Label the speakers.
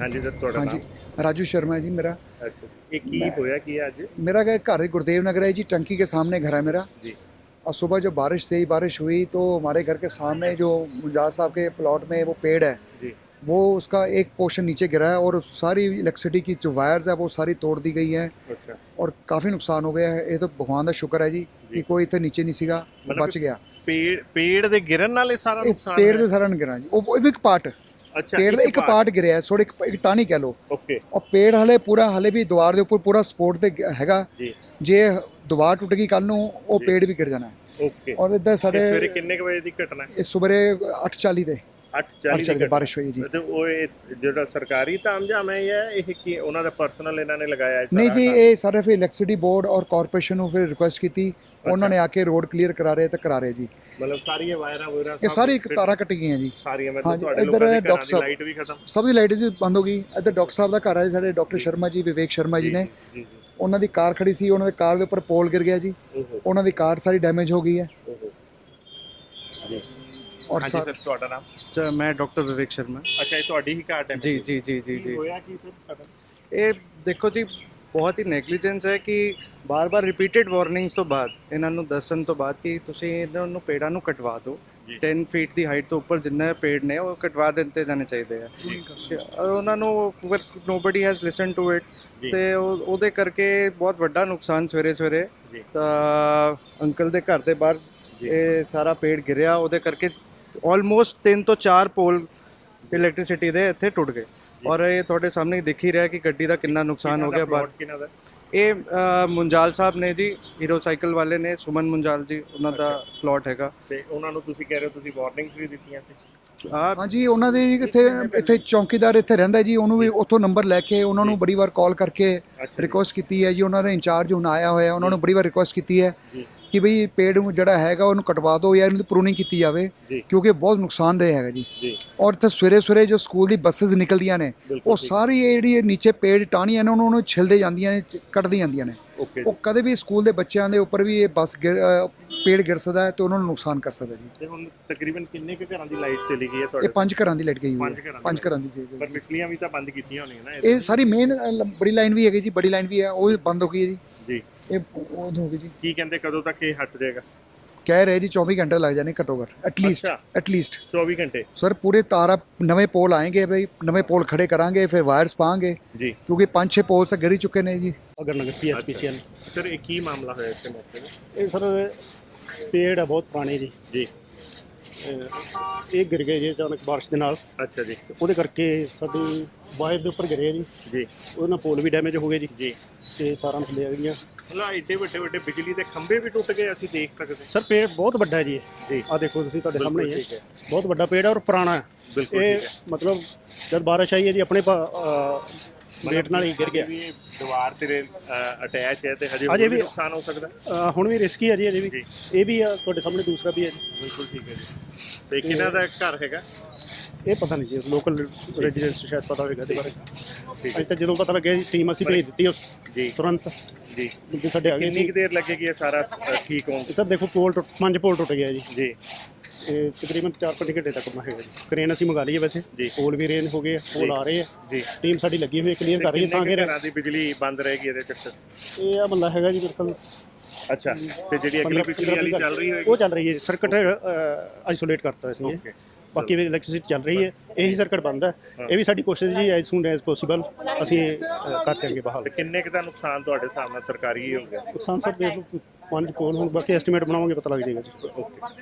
Speaker 1: ਹਾਂਜੀ ਸਰ, ਤੁਹਾਡਾ
Speaker 2: हाँ जी,
Speaker 1: ਨਾਮ?
Speaker 2: राजू शर्मा है जी मेरा।
Speaker 1: ਅੱਛਾ, ਇਹ ਕੀ ਹੋਇਆ ਕੀ ਹੈ ਅੱਜ?
Speaker 2: मेरा घर गुरुदेव नगर है जी, टंकी के सामने घर है मेरा।
Speaker 1: जी
Speaker 2: और सुबह जब बारिश हुई तो हमारे घर के सामने जो मुंजाल साहब के प्लॉट में वो पेड़ है,
Speaker 1: जी
Speaker 2: वो उसका एक पोर्शन नीचे गिरा है और सारी इलेक्ट्रिसिटी की जो वायर्स है वो सारी तोड़ दी गई हैं
Speaker 1: अच्छा,
Speaker 2: और काफ़ी नुकसान हो गया है। ये तो भगवान का शुक्र है जी कि कोई इतने नीचे नहीं सीगा,
Speaker 1: मतलब
Speaker 2: बच गया।
Speaker 1: पेड़ ਦੇ ਗਿਰਨ ਨਾਲ ਇਹ ਸਾਰਾ
Speaker 2: ਇਹ
Speaker 1: ਨੁਕਸਾਨ
Speaker 2: पेड़
Speaker 1: ਹੋਇਆ?
Speaker 2: ਦੇ ਸਾਰਾ ਨਹੀਂ ਗਿਰਾ ਜੀ, ਉਹ ਇੱਕ ਪਾर्ट
Speaker 1: ਅੱਛਾ,
Speaker 2: पेड़ ਦਾ ਇੱਕ ਪਾर्ट ਗਿਰਿਆ ਹੈ, ਥੋੜੇ ਇੱਕ ਟਾਹਣੀ ਕਹਿ ਲਓ।
Speaker 1: ਓਕੇ
Speaker 2: और पेड़ हले भी ਦੀਵਾਰ ਦੇ ਉੱਪਰ ਪੂਰਾ ਸਪੋਰਟ ਤੇ ਹੈਗਾ।
Speaker 1: ਜੀ
Speaker 2: ਜੇ ਦੀਵਾਰ ਟੁੱਟ ਗਈ ਕੱਲ ਨੂੰ ਉਹ ਪੇੜ ਵੀ ਗਿਰ ਜਾਣਾ ਹੈ।
Speaker 1: ਓਕੇ।
Speaker 2: ਔਰ ਇੱਧਰ ਸਾਡੇ
Speaker 1: ਸਵੇਰੇ ਕਿੰਨੇ ਕੁ ਵਜੇ ਦੀ ਘਟਨਾ ਹੈ?
Speaker 2: ਇਸ ਸਵੇਰੇ 8:40 ਤੇ
Speaker 1: 8:40
Speaker 2: ਦੀ ਬਾਰਿਸ਼ ਹੋਈ ਜੀ।
Speaker 1: ਤੇ ਉਹ ਜਿਹੜਾ ਸਰਕਾਰੀ ਤਾਮਝਾਮ ਹੈ ਜਾਂ ਇਹ ਕੀ ਉਹਨਾਂ ਦਾ ਪਰਸਨਲ ਇਹਨਾਂ ਨੇ ਲਗਾਇਆ ਹੈ?
Speaker 2: ਨਹੀਂ ਜੀ, ਇਹ ਸਾਰੇ ਫਿਰ ਇਲੈਕਟ੍ਰਿਸਿਟੀ ਬੋਰਡ ਔਰ ਕਾਰਪੋਰੇਸ਼ਨ ਨੂੰ ਫਿਰ ਰਿਕੁਐਸਟ ਕੀਤੀ, ਉਹਨਾਂ ਨੇ ਆ ਕੇ ਰੋਡ ਕਲੀਅਰ ਕਰਾ ਰਹੇ ਤੇ ਕਰਾ ਰਹੇ ਜੀ।
Speaker 1: ਮਤਲਬ ਸਾਰੀਆਂ ਵਾਇਰਾਂ ਵਗੈਰਾ
Speaker 2: ਇਹ ਸਾਰੀ ਤਾਰਾਂ ਕੱਟ ਗਈਆਂ ਜੀ
Speaker 1: ਸਾਰੀਆਂ, ਮੈਂ
Speaker 2: ਹਾਂਜੀ,
Speaker 1: ਤੁਹਾਡੇ
Speaker 2: ਇੱਧਰ
Speaker 1: ਲੋਕਾਂ ਦੇ
Speaker 2: ਡਾਕਟਰ
Speaker 1: ਘਰਾਂ ਦੀ
Speaker 2: ਸਾਹਿਬ
Speaker 1: ਲਾਈਟ ਵੀ ਖਤਮ?
Speaker 2: ਸਭ ਦੀ ਲਾਈਟ ਜੀ ਬੰਦ ਹੋ ਗਈ। ਇੱਧਰ ਡਾਕਟਰ ਸਾਹਿਬ ਦਾ ਘਰ ਹੈ ਸਾਡੇ, ਡਾਕਟਰ ਸ਼ਰਮਾ ਜੀ, ਵਿਵੇਕ ਸ਼ਰਮਾ ਜੀ ਨੇ।
Speaker 1: ਜੀ
Speaker 2: ਉਹਨਾਂ ਦੀ ਕਾਰ ਖੜੀ ਸੀ, ਉਹਨਾਂ ਦੇ ਕਾਰ ਦੇ ਉੱਪਰ ਪੋਲ ਗਿਰ ਗਿਆ ਜੀ,
Speaker 1: ਓਹੋ
Speaker 2: ਉਹਨਾਂ ਦੀ ਕਾਰ ਸਾਰੀ ਡੈਮੇਜ ਹੋ ਗਈ ਹੈ।
Speaker 1: ਓਹੋ ਜੀ।
Speaker 2: ਔਰ
Speaker 1: ਹਾਂਜੀ ਸਰ, ਤੁਹਾਡਾ ਨਾਮ?
Speaker 3: अच्छा, मैं डॉक्टर विवेक शर्मा।
Speaker 1: ਅੱਛਾ, ਇਹ ਤੁਹਾਡੀ ਹੀ ਕਾਰ
Speaker 3: जी जी जी जी जी
Speaker 1: ਹੋਇਆ ਕੀ ਫਿਰ ਸਾਡਾ?
Speaker 3: ਇਹ ਦੇਖੋ ਜੀ, ਬਹੁਤ ਹੀ ਨੈਗਲੀਜੈਂਸ ਹੈ ਕਿ ਬਾਰ-ਬਾਰ ਰਿਪੀਟਡ ਵਾਰਨਿੰਗਸ ਤੋਂ ਬਾਅਦ ਇਹਨਾਂ ਨੂੰ ਦੱਸਣ ਤੋਂ ਬਾਅਦ ਕਿ ਤੁਸੀਂ ਇਹਨਾਂ ਨੂੰ ਪੇੜਾਂ ਨੂੰ ਕਟਵਾ ਦਿਓ। 10 ਫੀਟ ਦੀ ਹਾਈਟ ਤੋਂ ਉੱਪਰ ਜਿੰਨੇ ਪੇੜ ਨੇ ਉਹ ਕਟਵਾ ਦਿੱਤੇ ਜਾਣੇ ਚਾਹੀਦੇ ਆ। ਔਰ ਉਹਨਾਂ ਨੂੰ nobody has listen to it ਤੇ ਉਹਦੇ ਕਰਕੇ ਬਹੁਤ ਵੱਡਾ ਨੁਕਸਾਨ ਸਵੇਰੇ ਤਾਂ ਅੰਕਲ ਦੇ ਘਰ ਦੇ ਬਾਹਰ ਇਹ ਸਾਰਾ ਪੇੜ ਗਿਰਿਆ, ਉਹਦੇ ਕਰਕੇ ਆਲਮੋਸਟ 3 ਤੋਂ 4 ਪੋਲ ਇਲੈਕਟ੍ਰਿਸਿਟੀ ਦੇ ਇੱਥੇ ਟੁੱਟ ਗਏ। ਔਰ ਇਹ ਤੁਹਾਡੇ ਸਾਹਮਣੇ ਦਿਖ ਹੀ ਰਿਹਾ ਕਿ ਗੱਡੀ ਦਾ ਕਿੰਨਾ ਨੁਕਸਾਨ ਹੋ ਗਿਆ। ਬਾਹਰ
Speaker 1: ਕਿਹਨਾਂ ਦਾ?
Speaker 3: ਇਹ ਮੁੰਜਾਲ ਸਾਹਿਬ ਨੇ ਜੀ, ਹੀਰੋ ਸਾਈਕਲ ਵਾਲੇ ਨੇ, ਸੁਮਨ ਮੁੰਜਾਲ ਜੀ, ਉਹਨਾਂ ਦਾ ਪਲਾਟ ਹੈਗਾ।
Speaker 1: ਤੇ ਉਹਨਾਂ ਨੂੰ ਤੁਸੀਂ ਕਹਿ ਰਹੇ ਹੋ ਤੁਸੀਂ ਵਾਰਨਿੰਗਸ ਵੀ ਦਿੱਤੀਆਂ ਸੀ?
Speaker 2: ਹਾਂਜੀ, ਉਹਨਾਂ ਦੇ ਇੱਥੇ ਚੌਕੀਦਾਰ ਇੱਥੇ ਰਹਿੰਦਾ ਜੀ, ਉਹਨੂੰ ਵੀ ਉੱਥੋਂ ਨੰਬਰ ਲੈ ਕੇ ਉਹਨਾਂ ਨੂੰ ਬੜੀ ਵਾਰ ਕਾਲ ਕਰਕੇ ਰਿਕੁਐਸਟ ਕੀਤੀ ਹੈ ਜੀ। ਉਹਨਾਂ ਦੇ ਇੰਚਾਰਜ ਹੁਣ ਆਇਆ ਹੋਇਆ, ਉਹਨਾਂ ਨੂੰ ਬੜੀ ਵਾਰ ਰਿਕੁਐਸਟ ਕੀਤੀ ਹੈ ਕਿ ਬਈ ਪੇੜ ਨੂੰ ਜਿਹੜਾ ਹੈਗਾ ਉਹਨੂੰ ਕਟਵਾ ਦਿਓ ਜਾਂ ਇਹਨੂੰ ਪ੍ਰੂਨਿੰਗ ਕੀਤੀ ਜਾਵੇ, ਕਿਉਂਕਿ ਬਹੁਤ ਨੁਕਸਾਨਦੇਹ ਹੈਗਾ ਜੀ। ਔਰ ਇੱਥੇ ਸਵੇਰੇ ਜੋ ਸਕੂਲ ਦੀ ਬੱਸਿਸ ਨਿਕਲਦੀਆਂ ਨੇ ਉਹ ਸਾਰੀ ਇਹ ਜਿਹੜੀ ਨੀਚੇ ਪੇੜ ਟਾਹਣੀਆਂ ਨੇ ਉਹਨੂੰ ਛਿਲਦੇ ਜਾਂਦੀਆਂ ਨੇ, ਕੱਟਦੀ ਜਾਂਦੀਆਂ ਨੇ। ਉਹ ਕਦੇ ਵੀ ਸਕੂਲ ਦੇ ਬੱਚਿਆਂ ਦੇ ਉੱਪਰ ਵੀ ਇਹ ਪੇੜ ਗਿਰ ਸਕਦਾ ਹੈ ਤੇ ਉਹਨਾਂ ਨੂੰ ਨੁਕਸਾਨ ਕਰ ਸਕਦਾ ਜੀ।
Speaker 1: ਤੇ ਹੁਣ ਤਕਰੀਬਨ ਕਿੰਨੇ ਕੁ ਘਰਾਂ ਦੀ ਲਾਈਟ ਚਲੀ ਗਈ ਹੈ ਤੁਹਾਡੇ?
Speaker 2: ਇਹ 5 ਘਰਾਂ ਦੀ ਲਾਈਟ ਗਈ ਹੋਈ ਹੈ, 5 ਘਰਾਂ ਦੀ ਜੀ।
Speaker 1: ਪਰ ਪਿਛਲੀਆਂ ਵੀ ਤਾਂ ਬੰਦ ਕੀਤੀਆਂ ਹੋਣੀਆਂ ਨਾ?
Speaker 2: ਇਹ ਸਾਰੀ ਮੇਨ ਬੜੀ ਲਾਈਨ ਵੀ ਹੈਗੀ ਜੀ, ਬੜੀ ਲਾਈਨ ਵੀ ਹੈ, ਉਹ ਵੀ ਬੰਦ ਹੋ ਗਈ ਹੈ
Speaker 1: ਜੀ।
Speaker 2: ਇਹ ਉਹ ਹੋ ਗਈ ਜੀ।
Speaker 1: ਕੀ ਕਹਿੰਦੇ ਕਦੋਂ ਤੱਕ ਇਹ ਹਟ ਜਾਏਗਾ?
Speaker 2: ਕਹਿ ਰਹੇ ਜੀ 24 ਘੰਟੇ ਲੱਗ ਜਾਣੇ ਘੱਟੋ ਘੱਟ, ਐਟਲੀਸਟ
Speaker 1: 24 ਘੰਟੇ
Speaker 2: ਸਰ। ਪੂਰੇ ਤਾਰਾ ਨਵੇਂ ਪੋਲ ਆएंगे भाई, नवे पोल खड़े करांगे, फिर वायर्स पाएंगे
Speaker 1: जी,
Speaker 2: क्योंकि 5-6 पोल से गिर ही चुके ने जी।
Speaker 4: ਅਗਰ ਨਗਰ PSPCL
Speaker 1: ਸਰ ਇਹ ਕੀ ਮਾਮਲਾ ਹੋਇਆ ਇੱਥੇ ਮੌਕੇ ਤੇ?
Speaker 4: ਇਹ ਸਰ ਪੇੜ ਆ ਬਹੁਤ ਪੁਰਾਣੇ ਜੀ,
Speaker 1: ਜੀ
Speaker 4: ਇਹ ਗਿਰ ਗਏ ਜੀ ਅਚਾਨਕ ਬਾਰਿਸ਼ ਦੇ ਨਾਲ।
Speaker 1: ਅੱਛਾ ਜੀ
Speaker 4: ਉਹਦੇ ਕਰਕੇ ਸਾਡੀ ਵਾਇਰ ਦੇ ਉੱਪਰ ਗਿਰੇ ਜੀ,
Speaker 1: ਜੀ
Speaker 4: ਉਹਦੇ ਨਾਲ ਪੋਲ ਵੀ ਡੈਮੇਜ ਹੋ ਗਏ ਜੀ
Speaker 1: ਜੀ।
Speaker 4: ਤੇ ਤਾਰਾਂ ਥੱਲੇ ਆ ਗਈਆਂ।
Speaker 1: ਮਤਲਬ ਏਡੇ ਵੱਡੇ ਬਿਜਲੀ ਦੇ ਖੰਭੇ ਵੀ ਟੁੱਟ ਗਏ, ਅਸੀਂ ਦੇਖ ਸਕਦੇ?
Speaker 4: ਸਰ ਪੇੜ ਬਹੁਤ ਵੱਡਾ ਹੈ ਜੀ,
Speaker 1: ਜੀ
Speaker 4: ਆ ਦੇਖੋ ਤੁਸੀਂ, ਤੁਹਾਡੇ ਸਾਹਮਣੇ ਹੀ
Speaker 1: ਠੀਕ
Speaker 4: ਹੈ।
Speaker 1: ਹੈ,
Speaker 4: ਬਹੁਤ ਵੱਡਾ ਪੇੜ ਹੈ ਔਰ ਪੁਰਾਣਾ ਹੈ।
Speaker 1: ਬਿਲਕੁਲ
Speaker 4: ਇਹ
Speaker 1: ਠੀਕ ਹੈ।
Speaker 4: ਮਤਲਬ ਜਦ ਬਾਰਿਸ਼ ਆਈ ਹੈ ਜੀ ਆਪਣੇ ਵੇਟ ਨਾਲ ਹੀ ਗਿਰ ਗਿਆ।
Speaker 1: ਵੀ ਇਹ ਦੀਵਾਰ ਤੇ ਅਟੈਚ ਹੈ ਤੇ ਹਜੇ
Speaker 4: ਅਜੇ
Speaker 1: ਵੀ
Speaker 4: ਵੀ
Speaker 1: ਨੁਕਸਾਨ ਹੋ ਸਕਦਾ?
Speaker 4: ਹੁਣ ਵੀ ਰਿਸਕੀ ਹੈ ਜੀ ਅਜੇ ਵੀ। ਇਹ ਵੀ ਆ ਤੁਹਾਡੇ ਸਾਹਮਣੇ, ਦੂਸਰਾ ਵੀ ਹੈ ਜੀ।
Speaker 1: ਬਿਲਕੁਲ ਠੀਕ ਹੈ ਜੀ। ਤੇ ਕਿਹਨਾਂ ਦਾ ਘਰ ਹੈਗਾ?
Speaker 4: ਇਹ ਪਤਾ ਨਹੀਂ ਜੀ, ਲੋਕਲ ਰੈਜ਼ੀਡੈਂਸ ਸ਼ਾਇਦ ਪਤਾ ਹੋਵੇਗਾ ਇਹਦੇ ਬਾਰੇ। ਅੱਜ ਤੱਕ ਜਦੋਂ ਪਤਾ ਲੱਗਿਆ ਜੀ ਟੀਮ ਅਸੀਂ ਭੇਜ ਦਿੱਤੀ ਉਸ
Speaker 1: ਜੀ
Speaker 4: ਤੁਰੰਤ
Speaker 1: ਜੀ।
Speaker 4: ਕਿਉਂਕਿ ਸਾਡੇ ਆ ਗਏ
Speaker 1: ਕਿੰਨੀ
Speaker 4: ਸੀ।
Speaker 1: ਕੁ ਦੇਰ ਲੱਗੇਗੀ ਇਹ ਸਾਰਾ ਠੀਕ ਹੋਣ?
Speaker 4: ਸਰ ਦੇਖੋ ਪੋਲ 5 ਪੋਲ ਟੁੱਟ ਗਿਆ ਜੀ।
Speaker 1: ਜੀ
Speaker 4: ਇਹ ਤਕਰੀਬਨ 4-5 ਘੰਟੇ ਤੱਕ ਮੈਂ ਹੈਗਾ ਜੀ। ਕਰੇਨ ਅਸੀਂ ਮੰਗਾ ਲਈ ਹੈ ਵੈਸੇ, ਪੋਲ ਵੀ ਰੇਂਜ ਹੋ ਗਏ, ਪੋਲ ਆ ਰਹੇ ਆ
Speaker 1: ਜੀ।
Speaker 4: ਟੀਮ ਸਾਡੀ ਲੱਗੀ ਹੋਈ ਕਲੀਅਰ ਕਰ ਰਹੀ ਹੈ ਤਾਂ ਕਿ
Speaker 1: ਘਰਾਂ ਦੀ ਬਿਜਲੀ ਬੰਦ ਰਹੇਗੀ ਇਹਦੇ ਚੱਕਰ?
Speaker 4: ਇਹ ਆ ਮੱਲਾ ਹੈਗਾ ਜੀ ਬਿਲਕੁਲ।
Speaker 1: ਅੱਛਾ, ਤੇ ਜਿਹੜੀ ਅਗਲੀ ਪਿਛਲੀ ਵਾਲੀ ਚੱਲ ਰਹੀ ਹੋਏਗੀ
Speaker 4: ਉਹ ਚੱਲ ਰਹੀ ਹੈ, ਸਰਕਟ ਆਈਸੋਲੇਟ ਕਰਤਾ ਅਸੀਂ। ਬਾਕੀ ਵੀ ਇਲੈਕਟ੍ਰਿਸਿਟੀ ਚੱਲ ਰਹੀ ਹੈ, ਇਹੀ ਸਰਕਟ ਬੰਦ ਹੈ। ਇਹ ਵੀ ਸਾਡੀ ਕੋਸ਼ਿਸ਼ ਜੀ ਐਜ਼ ਸੂਨ ਐਜ਼ ਪੋਸੀਬਲ ਅਸੀਂ ਕਰ ਦਿਆਂਗੇ ਬਹਾਲ।
Speaker 1: ਤੇ ਕਿੰਨੇ ਕੁ ਦਾ ਨੁਕਸਾਨ ਤੁਹਾਡੇ ਹਿਸਾਬ ਨਾਲ ਸਰਕਾਰੀ ਹੀ ਹੋ ਗਿਆ?
Speaker 4: ਨੁਕਸਾਨ ਸਰ ਦੇਖ ਲਓ 5 ਪੋਲ, ਹੁਣ ਬਾਕੀ ਐਸਟੀਮੇਟ ਬਣਾਵਾਂਗੇ ਪਤਾ ਲੱਗ ਜਾਏਗਾ ਜੀ।
Speaker 1: ਓਕੇ।